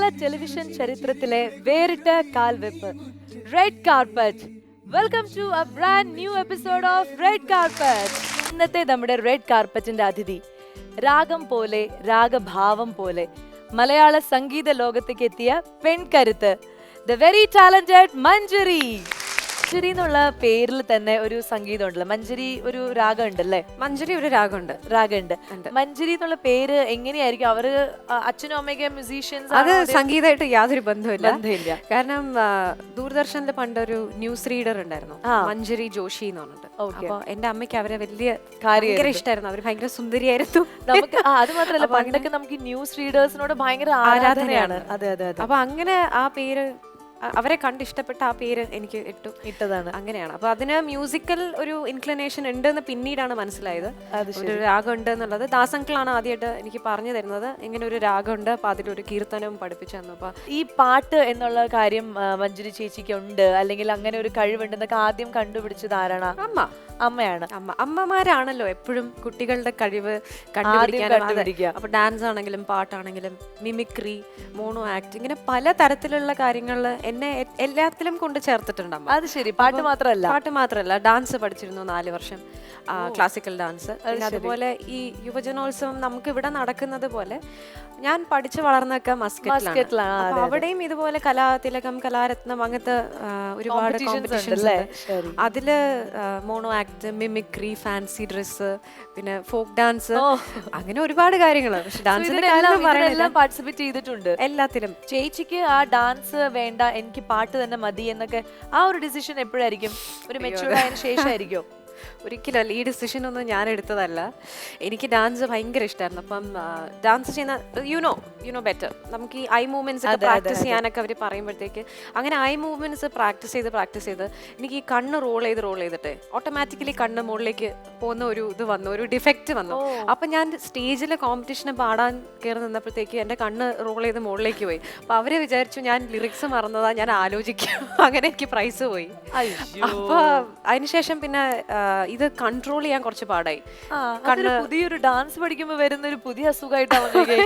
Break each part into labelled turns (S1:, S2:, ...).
S1: മലയാള ടെലിവിഷൻ ചരിത്രത്തിലെ വേറിട്ട കാൽവെപ്പ് red carpet. Welcome to a brand new episode of red carpet. ഇന്നത്തെ നമ്മുടെ റെഡ് കാർപ്പറ്റിന്റെ അതിഥി രാഗം പോലെ രാഗഭാവം പോലെ മലയാള സംഗീത ലോകത്തേക്ക് എത്തിയ പെൺകരുത്ത്, the very talented Manjari. Manjari എന്നുള്ള പേരിൽ തന്നെ ഒരു സംഗീതം ഉണ്ടല്ലോ. മഞ്ജരി ഒരു രാഗം ഉണ്ടല്ലേ?
S2: മഞ്ജരി ഒരു രാഗമുണ്ട്.
S1: മഞ്ജരി എന്നുള്ള പേര് എങ്ങനെയായിരിക്കും? അവര് അച്ഛനും അമ്മയൊക്കെ മ്യൂസീഷ്യൻസ്?
S2: അത് സംഗീതമായിട്ട് യാതൊരു ബന്ധമില്ല. കാരണം ദൂരദർശനിൽ പണ്ടൊരു ന്യൂസ് റീഡർ ഉണ്ടായിരുന്നു, മഞ്ജരി ജോഷി എന്ന് പറഞ്ഞിട്ട്. അപ്പൊ എന്റെ അമ്മയ്ക്ക് അവരെ ഭയങ്കര ഇഷ്ടമായിരുന്നു. അവര് ഭയങ്കര സുന്ദരിയായിരുന്നു.
S1: നമുക്ക് അത് മാത്രമല്ല, പണ്ടൊക്കെ നമുക്ക് ന്യൂസ് റീഡേഴ്സിനോട് ഭയങ്കര ആരാധനയാണ്. അതെ അതെ അതെ.
S2: അപ്പൊ അങ്ങനെ ആ പേര് അവരെ കണ്ട് ഇഷ്ടപ്പെട്ട ആ പേര് എനിക്ക് ഇട്ടതാണ്. അങ്ങനെയാണ്. അപ്പൊ അതിന് മ്യൂസിക്കൽ ഒരു ഇൻക്ലിനേഷൻ ഉണ്ട് എന്ന് പിന്നീടാണ് മനസ്സിലായത്. ഒരു രാഗം ഉണ്ട് എന്നുള്ളത് ദാസങ്കളാണ് ആദ്യമായിട്ട് എനിക്ക് പറഞ്ഞു തരുന്നത്. ഇങ്ങനെ ഒരു രാഗമുണ്ട്, അപ്പൊ അതിലൊരു കീർത്തനവും പഠിപ്പിച്ചു തന്നു. അപ്പൊ
S1: ഈ പാട്ട് എന്നുള്ള കാര്യം മഞ്ജരി ചേച്ചിക്ക് ഉണ്ട്, അല്ലെങ്കിൽ അങ്ങനെ ഒരു കഴിവുണ്ടെന്നൊക്കെ ആദ്യം കണ്ടുപിടിച്ചത് ആരാണ്? അമ്മയാണ്.
S2: അമ്മമാരാണല്ലോ എപ്പോഴും കുട്ടികളുടെ കഴിവ് കണ്ടുപിടിക്കുക. അപ്പൊ ഡാൻസ് ആണെങ്കിലും പാട്ടാണെങ്കിലും മിമിക്രി, മോണോ ആക്ട്, ഇങ്ങനെ പല തരത്തിലുള്ള കാര്യങ്ങളിൽ എന്നെ എല്ലാത്തിലും കൊണ്ട് ചേർത്തിട്ടുണ്ട് അമ്മ.
S1: അത് ശരി. പാട്ട് മാത്രമല്ല,
S2: ഡാൻസ് പഠിച്ചിരുന്നു 4 വർഷം, ക്ലാസിക്കൽ ഡാൻസ്. അതുപോലെ ഈ യുവജനോത്സവം നമുക്ക് ഇവിടെ നടക്കുന്നത് പോലെ ഞാൻ പഠിച്ചു വളർന്നൊക്കെ മസ്കറ്റിലാണ്. അവിടെയും ഇതുപോലെ കലാതിലകം, കലാരത്നം, അങ്ങനത്തെ ഒരുപാട് കോമ്പറ്റീഷൻസ്. അതില് mono act, mimicry, fancy dress, പിന്നെ ഫോക്ക് ഡാൻസ്, അങ്ങനെ ഒരുപാട് കാര്യങ്ങൾ. പക്ഷെ ഡാൻസിന്റെ
S1: പാർട്ടിസിപ്പേറ്റ് ചെയ്തിട്ടുണ്ട് എല്ലാത്തിലും. ചേച്ചിക്ക് ആ ഡാൻസ് വേണ്ട, എനിക്ക് പാട്ട് തന്നെ മതി എന്നൊക്കെ ആ ഒരു ഡിസിഷൻ എപ്പോഴായിരിക്കും? ഒരു മെച്ചൂർഡ് ആയതിനു ശേഷമായിരിക്കും?
S2: ഒരിക്കലല്ല, ഈ ഡിസിഷൻ ഒന്നും ഞാൻ എടുത്തതല്ല. എനിക്ക് ഡാൻസ് ഭയങ്കര ഇഷ്ടമായിരുന്നു. അപ്പം ഡാൻസ് ചെയ്യുന്ന യുനോ ബെറ്റർ, നമുക്ക് ഈ ഐ മൂവ്മെന്റ്സ് ഒക്കെ പ്രാക്ടീസ് ചെയ്യാനൊക്കെ അവർ പറയുമ്പോഴത്തേക്ക് അങ്ങനെ ഐ മൂവ്മെന്റ്സ് പ്രാക്ടീസ് ചെയ്ത് എനിക്ക് ഈ കണ്ണ് റോൾ ചെയ്തിട്ട് ഓട്ടോമാറ്റിക്കലി കണ്ണ് മുകളിലേക്ക് പോകുന്ന ഒരു ഇത് വന്നു, ഒരു ഡിഫക്റ്റ് വന്നു. അപ്പം ഞാൻ സ്റ്റേജിലെ കോമ്പറ്റീഷന് പാടാൻ കയറി നിന്നപ്പോഴത്തേക്ക് എൻ്റെ കണ്ണ് റോൾ ചെയ്ത് മുകളിലേക്ക് പോയി. അപ്പം അവരെ വിചാരിച്ചു ഞാൻ ലിറിക്സ് മറന്നതാ, ഞാൻ ആലോചിക്കും. അങ്ങനെ എനിക്ക് പ്രൈസ് പോയി. അപ്പൊ അതിനുശേഷം പിന്നെ ഇത് കൺട്രോൾ ചെയ്യാൻ കുറച്ച് പാടായി.
S1: പുതിയൊരു ഡാൻസ് പഠിക്കുമ്പോൾ വരുന്ന ഒരു പുതിയ അസുഖമായിട്ടാണ്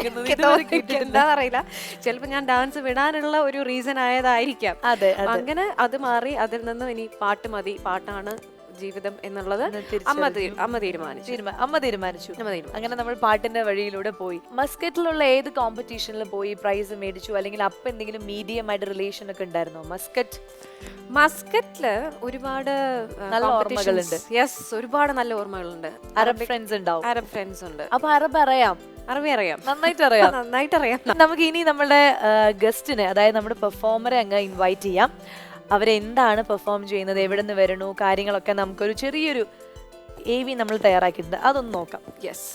S2: എന്താ അറിയില്ല. ചിലപ്പോ ഞാൻ ഡാൻസ് വിടാനുള്ള ഒരു റീസൺ ആയതായിരിക്കാം. അങ്ങനെ അത് മാറി. അതിൽ നിന്നും ഇനി പാട്ട് മതി, പാട്ടാണ് ജീവിതം എന്നുള്ളത് അമ്മ തീരുമാനിച്ചു.
S1: അങ്ങനെ നമ്മൾ പാട്ടിന്റെ വഴിയിലൂടെ പോയി. മസ്കറ്റിലുള്ള ഏത് കോമ്പറ്റീഷനിൽ പോയി പ്രൈസ് മേടിച്ചു? അല്ലെങ്കിൽ അപ്പൊ എന്തെങ്കിലും മീഡിയം ആയിട്ട് റിലേഷൻ ഒക്കെ ഉണ്ടായിരുന്നോ?
S2: മസ്കറ്റില് ഒരുപാട്
S1: നല്ല ഓർമ്മകളുണ്ട്.
S2: യെസ്, ഒരുപാട് നല്ല ഓർമ്മകളുണ്ട്.
S1: അറബ് ഫ്രണ്ട്സ് ഉണ്ട്.
S2: അപ്പൊ
S1: അറബി അറിയാം?
S2: നന്നായിട്ട് അറിയാം.
S1: നമുക്ക് ഇനി നമ്മുടെ ഗസ്റ്റിനെ, അതായത് നമ്മുടെ പെർഫോമറെ അങ്ങ് ഇൻവൈറ്റ് ചെയ്യാം. അവരെന്താണ് പെർഫോം ചെയ്യുന്നത്, എവിടെ നിന്ന് വരണു, കാര്യങ്ങളൊക്കെ നമുക്കൊരു ചെറിയൊരു AV നമ്മൾ തയ്യാറാക്കിയിട്ടുണ്ട്, അതൊന്ന് നോക്കാം.
S2: യെസ്.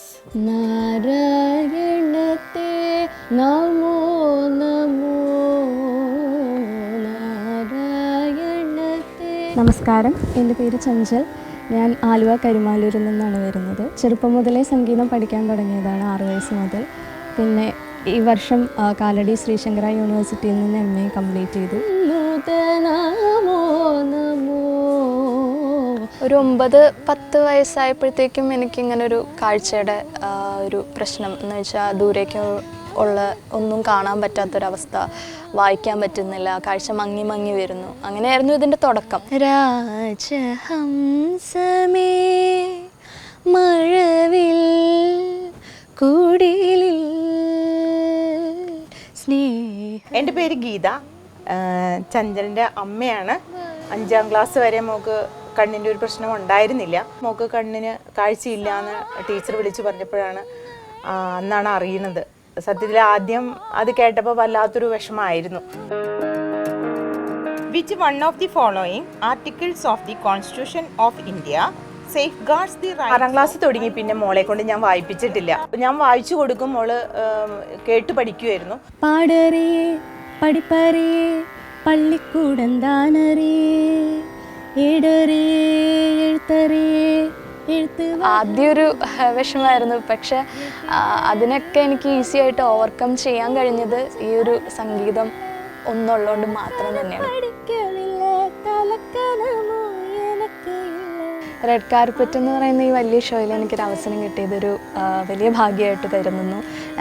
S3: നാരായണത്തെ നമോ നമോ നാരായണത്തെ. നമസ്കാരം, എൻ്റെ പേര് ചഞ്ചൽ. ഞാൻ ആലുവ കരുമാലൂരിൽ നിന്നാണ് വരുന്നത്. ചെറുപ്പം മുതലേ സംഗീതം പഠിക്കാൻ തുടങ്ങിയതാണ്, 6 വയസ്സ് മുതൽ. പിന്നെ ഈ വർഷം കാലടി ശ്രീശങ്കര യൂണിവേഴ്സിറ്റിയിൽ നിന്ന് MA കംപ്ലീറ്റ് ചെയ്തു. ഒരു 9-10 വയസ്സായപ്പോഴത്തേക്കും എനിക്കിങ്ങനൊരു കാഴ്ചയുടെ ഒരു പ്രശ്നം എന്ന് വെച്ചാൽ ദൂരേക്ക് ഉള്ള ഒന്നും കാണാൻ പറ്റാത്തൊരവസ്ഥ, വായിക്കാൻ പറ്റുന്നില്ല, കാഴ്ച മങ്ങി വരുന്നു. അങ്ങനെയായിരുന്നു ഇതിൻ്റെ തുടക്കം. രാജഹംസമേ മഴവിൽ കൂടിലിൽ.
S4: എൻ്റെ പേര് ഗീത, ചഞ്ചലിൻ്റെ അമ്മയാണ്. 5ാം ക്ലാസ് വരെ മോക്ക് കണ്ണിൻ്റെ ഒരു പ്രശ്നം ഉണ്ടായിരുന്നില്ല. മോക്ക് കണ്ണിന് കാഴ്ചയില്ല എന്ന് ടീച്ചർ വിളിച്ച് പറഞ്ഞപ്പോഴാണ് അന്നാണ് അറിയുന്നത്. സത്യത്തിൽ ആദ്യം അത് കേട്ടപ്പോൾ വല്ലാത്തൊരു വിഷമമായിരുന്നു. Which one of the following articles of the constitution of India safeguards the rights? 6ാം ക്ലാസ് തുടങ്ങി പിന്നെ മോളെ കൊണ്ട് ഞാൻ വായിപ്പിച്ചിട്ടില്ല. ഞാൻ വായിച്ചു കൊടുക്കും, മോള് കേട്ട് പഠിക്കുമായിരുന്നു.
S3: പാടറിയേ പഠിപ്പറിയേ പള്ളിക്കൂടം താനറിയേ ഏടറിയേ എഴുത്തറിയേ എഴുത്ത്. ആദ്യമൊരു വിഷമമായിരുന്നു, പക്ഷെ അതിനൊക്കെ എനിക്ക് ഈസി ആയിട്ട് ഓവർകം ചെയ്യാൻ കഴിഞ്ഞത് ഈ ഒരു സംഗീതം ഒന്നുള്ളതുകൊണ്ട് മാത്രം തന്നെയാണ്. റെഡ് കാർപ്പറ്റ് എന്ന് പറയുന്ന ഈ വലിയ ഷോയിൽ എനിക്കൊരു അവസരം കിട്ടിയതൊരു വലിയ ഭാഗ്യമായിട്ട് കരുതുന്നു.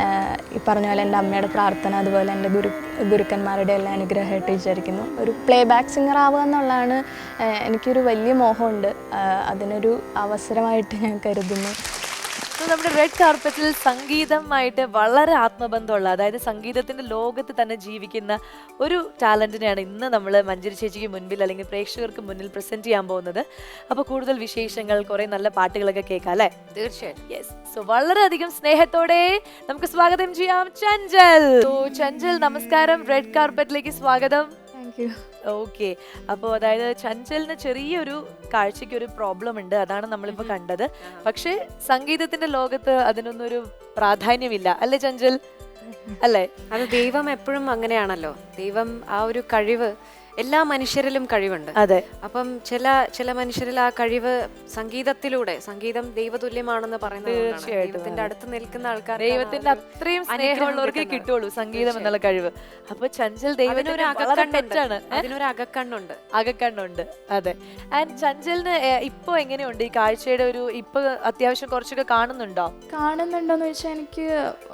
S3: ഈ പറഞ്ഞ പോലെ എൻ്റെ അമ്മയുടെ പ്രാർത്ഥന, അതുപോലെ എൻ്റെ ഗുരുക്കന്മാരുടെ എല്ലാം അനുഗ്രഹമായിട്ട് വിചാരിക്കുന്നു. ഒരു പ്ലേ ബാക്ക് സിംഗർ ആവുക എന്നുള്ളതാണ് എനിക്കൊരു വലിയ മോഹമുണ്ട്. അതിനൊരു അവസരമായിട്ട് ഞാൻ കരുതുന്നു.
S1: നമ്മുടെ റെഡ് കാർപ്പറ്റിൽ സംഗീതമായിട്ട് വളരെ ആത്മബന്ധമുള്ള, അതായത് സംഗീതത്തിന്റെ ലോകത്ത് തന്നെ ജീവിക്കുന്ന ഒരു ടാലന്റിനെയാണ് ഇന്ന് നമ്മൾ മഞ്ജരി ചേച്ചിക്ക് മുൻപിൽ അല്ലെങ്കിൽ പ്രേക്ഷകർക്ക് മുന്നിൽ പ്രസന്റ് ചെയ്യാൻ പോകുന്നത്. അപ്പോൾ കൂടുതൽ വിശേഷങ്ങൾ, കുറെ നല്ല പാട്ടുകളൊക്കെ കേൾക്കാം അല്ലേ?
S2: തീർച്ചയായിട്ടും.
S1: യെസ്. സോ വളരെയധികം സ്നേഹത്തോടെ നമുക്ക് സ്വാഗതം ചെയ്യാം ചഞ്ചൽ. ചഞ്ചൽ, നമസ്കാരം. റെഡ് കാർപ്പറ്റിലേക്ക് സ്വാഗതം.
S3: Thank you.
S1: ഓക്കെ. അപ്പോൾ അതായത് ചഞ്ചലിന് ചെറിയൊരു കാഴ്ചയ്ക്ക് ഒരു പ്രോബ്ലം ഉണ്ട്, അതാണ് നമ്മളിപ്പോൾ കണ്ടത്. പക്ഷേ സംഗീതത്തിന്റെ ലോകത്ത് അതിനൊന്നും ഒരു പ്രാധാന്യമില്ല അല്ലേ ചഞ്ചൽ? അല്ലേ?
S2: അത് ദൈവം എപ്പോഴും അങ്ങനെയാണല്ലോ. ദൈവം ആ ഒരു കഴിവ്, എല്ലാ മനുഷ്യരിലും കഴിവുണ്ട്.
S1: അതെ.
S2: അപ്പം ചില മനുഷ്യരിൽ ആ കഴിവ് സംഗീതത്തിലൂടെ, സംഗീതം ദൈവതുല്യമാണെന്ന് പറയുന്നത് ദൈവത്തിന്റെ അടുത്ത് നിൽക്കുന്ന ആൾക്കാർ,
S1: ദൈവത്തിന്റെ അത്രയും സ്നേഹമുള്ളവർക്ക് കിട്ടുള്ളൂ സംഗീതം എന്നുള്ള കഴിവ്. അപ്പൊ ചഞ്ചൽ ദൈവത്തിന്
S2: അതിനൊരു അകക്കണ്ണുണ്ട്.
S1: അകക്കണ്ണുണ്ട്. അതെ. ആൻഡ് ചഞ്ചലിന് ഇപ്പൊ എങ്ങനെയുണ്ട് ഈ കാഴ്ചയുടെ ഒരു, ഇപ്പൊ അത്യാവശ്യം കുറച്ചൊക്കെ
S3: കാണുന്നുണ്ടോന്ന് വെച്ചാൽ എനിക്ക്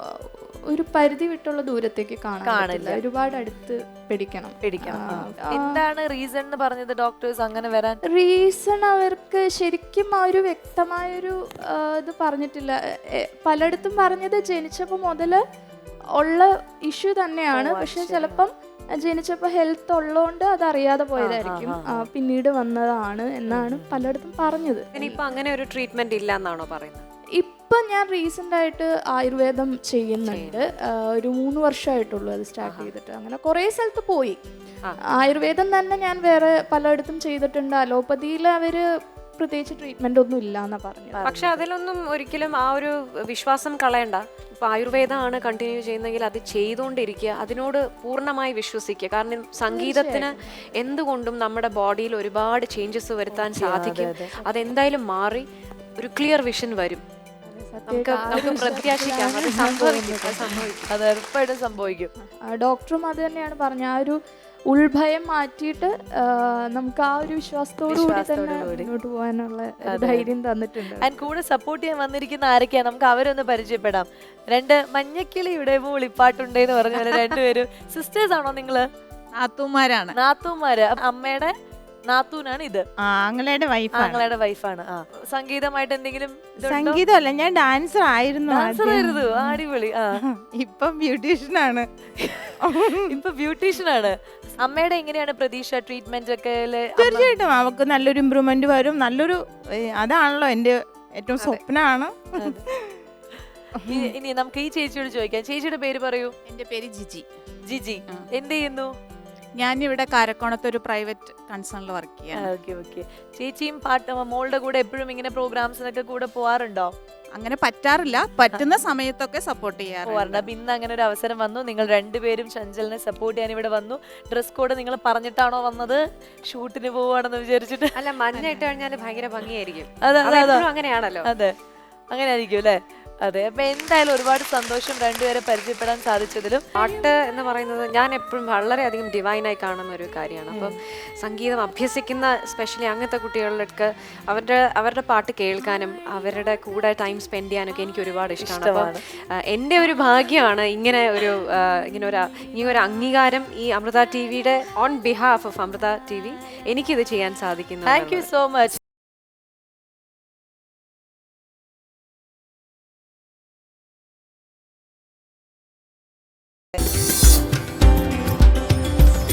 S3: ഒരു പരിധി വിട്ടുള്ള ദൂരത്തേക്ക് കാണില്ല, ഒരുപാട് അടുത്ത് പിടിക്കണം.
S1: എന്താണ് റീസൺ എന്ന് പറഞ്ഞത് ഡോക്ടേഴ്സ് അങ്ങനെ വരാൻ?
S3: റീസൺ അവർക്ക് ശരിക്കും ആ ഒരു വ്യക്തമായൊരു ഇത് പറഞ്ഞിട്ടില്ല. പലയിടത്തും പറഞ്ഞത് ജനിച്ചപ്പോൾ മുതൽ ഉള്ള ഇഷ്യൂ തന്നെയാണ്. പക്ഷെ ചിലപ്പം ജനിച്ചപ്പോൾ ഹെൽത്ത് ഉള്ളതുകൊണ്ട് അതറിയാതെ പോയതായിരിക്കും, പിന്നീട് വന്നതാണ് എന്നാണ് പലയിടത്തും പറഞ്ഞത്.
S2: ഇനിയിപ്പോ അങ്ങനെ ഒരു ട്രീറ്റ്മെന്റ് ഇല്ല എന്നാണോ പറയുന്നത്?
S3: ഇപ്പം ഞാൻ റീസെൻ്റ് ആയിട്ട് ആയുർവേദം ചെയ്യുന്നുണ്ട്. ഒരു 3 വർഷമായിട്ടുള്ളൂ അത് സ്റ്റാർട്ട് ചെയ്തിട്ട്. അങ്ങനെ കുറേ സ്ഥലത്ത് പോയി. ആയുർവേദം തന്നെ ഞാൻ വേറെ പലയിടത്തും ചെയ്തിട്ടുണ്ട്. അലോപ്പതിയിൽ അവർ പ്രത്യേകിച്ച് ട്രീറ്റ്മെന്റ് ഒന്നും ഇല്ല എന്നാ പറഞ്ഞത്.
S2: പക്ഷെ അതിലൊന്നും ഒരിക്കലും ആ ഒരു വിശ്വാസം കളയണ്ട. ഇപ്പൊ ആയുർവേദമാണ് കണ്ടിന്യൂ ചെയ്യുന്നെങ്കിൽ അത് ചെയ്തുകൊണ്ടിരിക്കുക, അതിനോട് പൂർണ്ണമായി വിശ്വസിക്കുക. കാരണം സംഗീതത്തിന് എന്തുകൊണ്ടും നമ്മുടെ ബോഡിയിൽ ഒരുപാട് ചേഞ്ചസ് വരുത്താൻ സാധിക്കും. അതെന്തായാലും മാറി ഒരു ക്ലിയർ വിഷൻ വരും. നമുക്ക് പ്രത്യാശിക്കാം അത് സംഭവിക്കും.
S1: അത് ഉറപ്പായിട്ടും സംഭവിക്കും.
S3: ഡോക്ടറും അത് തന്നെയാണ് പറഞ്ഞ, ആ ഒരു ഉൾഭയം മാറ്റിയിട്ട് നമുക്ക് ആ ഒരു വിശ്വാസത്തോടു കൂടി തന്നെ മുന്നോട്ട് പോകാനുള്ള ധൈര്യം തന്നിട്ടുണ്ട്.
S1: ആൻഡ് കൂടെ സപ്പോർട്ട് ചെയ്യാൻ വന്നിരിക്കുന്ന ആരൊക്കെയാ, നമുക്ക് അവരൊന്ന് പരിചയപ്പെടാം. 2 മഞ്ഞക്കിളിയുടെ മൂളിപ്പാട്ടുണ്ടെന്ന് പറഞ്ഞ പോലെ 2 പേരും സിസ്റ്റേഴ്സ് ആണോ നിങ്ങള്?
S4: നാത്തൂമാരാണ്.
S1: നാത്തൂമാര്. അമ്മയുടെ നാത്തൂനാണ് ഇത്.
S4: ആങ്ങളയുടെ
S1: വൈഫാണ്. സംഗീതമായിട്ട് എന്തെങ്കിലും?
S4: സംഗീതമല്ല, ഞാൻ ഡാൻസർ ആയിരുന്നു.
S1: അടിപൊളി.
S4: ഇപ്പം ബ്യൂട്ടീഷ്യനാണ്.
S1: അമ്മയുടെ എങ്ങനെയാണ് പ്രതീക്ഷ ട്രീറ്റ്മെന്റ് ഒക്കെ?
S4: തീർച്ചയായിട്ടും അവർക്ക് നല്ലൊരു ഇമ്പ്രൂവ്മെന്റ് വരും. നല്ലൊരു, അതാണല്ലോ എന്റെ ഏറ്റവും സ്വപ്നമാണ്.
S1: ഇനി നമുക്ക് ഈ ചേച്ചിയോട് ചോദിക്കാം. ചേച്ചിയുടെ പേര് പറയൂ.
S5: എന്റെ പേര് ജിജി.
S1: ജിജി എന്ത് ചെയ്യുന്നു?
S5: ഞാനിവിടെ കാരക്കോണത്ത് ഒരു പ്രൈവറ്റ് കൺസേണിൽ വർക്ക് ചെയ്യാം.
S1: ചേച്ചിയും മോളുടെ കൂടെ എപ്പോഴും ഇങ്ങനെ പ്രോഗ്രാംസിനൊക്കെ കൂടെ പോവാറുണ്ടോ?
S5: അങ്ങനെ പറ്റാറില്ല, പറ്റുന്ന സമയത്തൊക്കെ സപ്പോർട്ട് ചെയ്യാറുണ്ട്.
S1: അപ്പൊ ഇന്ന് അങ്ങനെ ഒരു അവസരം വന്നു, നിങ്ങൾ 2 പേരും ചഞ്ചലിനെ സപ്പോർട്ട് ചെയ്യാൻ ഇവിടെ വന്നു. ഡ്രസ് കോഡ് നിങ്ങൾ പറഞ്ഞിട്ടാണോ വന്നത്? ഷൂട്ടിന് പോവാണെന്ന് വിചാരിച്ചിട്ട്?
S2: അല്ല, മഞ്ഞ ഇട്ട് കഴിഞ്ഞാൽ ഭയങ്കര ഭംഗിയായിരിക്കും. അങ്ങനെയാണല്ലോ.
S1: അതെ, അങ്ങനെ ആയിരിക്കും അല്ലേ? അതെ. അപ്പൊ എന്തായാലും ഒരുപാട് സന്തോഷം 2 പേരെ പരിചയപ്പെടാൻ സാധിച്ചതിലും.
S2: പാട്ട് എന്ന് പറയുന്നത് ഞാൻ എപ്പോഴും വളരെയധികം ഡിവൈനായി കാണുന്ന ഒരു കാര്യമാണ്. അപ്പം സംഗീതം അഭ്യസിക്കുന്ന സ്പെഷ്യലി അങ്ങനത്തെ കുട്ടികളിലൊക്കെ അവരുടെ പാട്ട് കേൾക്കാനും അവരുടെ കൂടെ ടൈം സ്പെൻഡ് ചെയ്യാനൊക്കെ എനിക്ക് ഒരുപാട് ഇഷ്ടമാണ്. അപ്പം എൻ്റെ ഒരു ഭാഗ്യമാണ് ഇങ്ങനെ ഒരു അംഗീകാരം ഈ അമൃത ടിവിയുടെ on behalf of Amrita T V എനിക്കിത് ചെയ്യാൻ സാധിക്കുന്നു.
S1: Thank you so much.